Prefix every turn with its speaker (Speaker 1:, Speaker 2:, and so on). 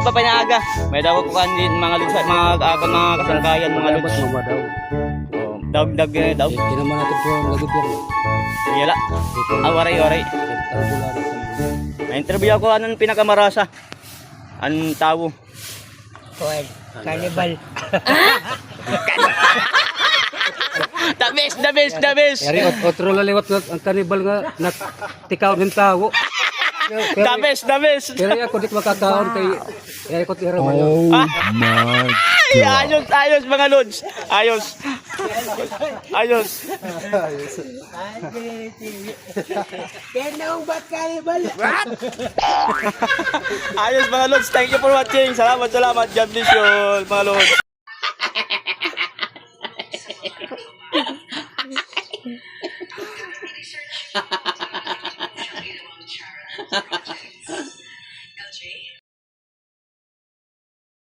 Speaker 1: pa pinaga. May daw ko kandin mga lods, mga kasangkayan mga lods.
Speaker 2: Mama daw.
Speaker 1: Oh, dag daw.
Speaker 2: Hindi naman natin po ang lagot yan.
Speaker 1: Yala. Waray. Na-interview ako anong pinakamarasa. Anong tao?
Speaker 3: Kuwan, Cannibal.
Speaker 1: The best.
Speaker 2: Yari, otro laliwat ang kanibal nga natikaw ng tao.
Speaker 1: The best.
Speaker 2: Pero ako di makakaon kay yari ko tira man.
Speaker 4: Oh my
Speaker 1: Ay, ayos mga lods. Ayos.
Speaker 3: Kenong bat Cannibal?
Speaker 1: Ayos mga lods. Thank you for watching. Salamat. God bless you mga lods.